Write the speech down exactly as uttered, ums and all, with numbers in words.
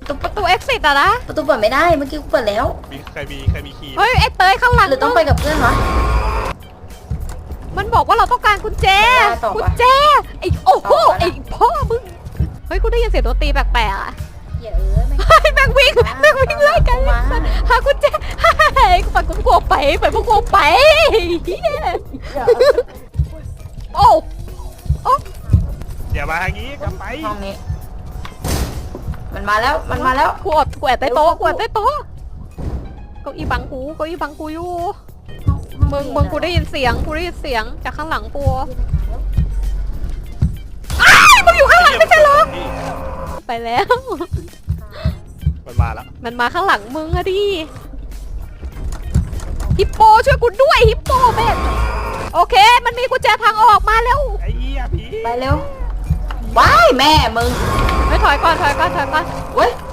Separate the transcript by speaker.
Speaker 1: ประตูประตู exit อะนะ
Speaker 2: ประตูเปิดไม่ได้เมื่อกี้กูเปิดแล้ว
Speaker 3: มีใครมีใครมีคีย์
Speaker 1: เฮ้ยไอ้เตยข้างหลัง
Speaker 2: หรือต้องไปกับเพื่อนวะ
Speaker 1: มันบอกว่าเราต้องการกุญแจ
Speaker 2: ไม่ได้ต่อปะ
Speaker 1: กุญแจไอ้โอ้โห
Speaker 2: ต่อปะนะ
Speaker 1: ไอ้พ่อมึงเฮ้ยกูได้ยินเสียงดนตรีแปลกๆอะ
Speaker 2: เหี้ยเอ้ยไม่
Speaker 1: เฮ้ยแม่งวิ่งแม่งวิ่งไล่กัน
Speaker 2: มา
Speaker 1: หากุญแจเฮ้ยกูไปกูกลัวไปไปกูกลัวไปเหี้ยโอ้โอ้
Speaker 3: อย่ามาทางนี้กลับไป
Speaker 2: ห้องนี้ มันมาแล้วมันมาแล้ว
Speaker 1: กูอดกูแอบใต้โต๊ะกูแอบใต้โต๊ะเก้าอี้บังกูเก้าอี้บังกูอยู่มึงมึงกูได้ยินเสียงกูได้ยินเสียงจากข้างหลังกูอ้ายมึงอยู่ข้างหลังไม่ใช่เหรอไปแล้ว
Speaker 3: มันมาแล้ว
Speaker 1: มันมาข้างหลังมึงอะดิฮิปโปช่วยกูด้วยฮิปโปเบนโอเค มันมีกุญแจทางออกมาแล้ว
Speaker 3: ไอ้เหี้ยผี
Speaker 2: ไปเร็วว้ายแม่มึง
Speaker 1: ไปถอยก่อนถอยก่อนถอยก่อน
Speaker 2: เว้ย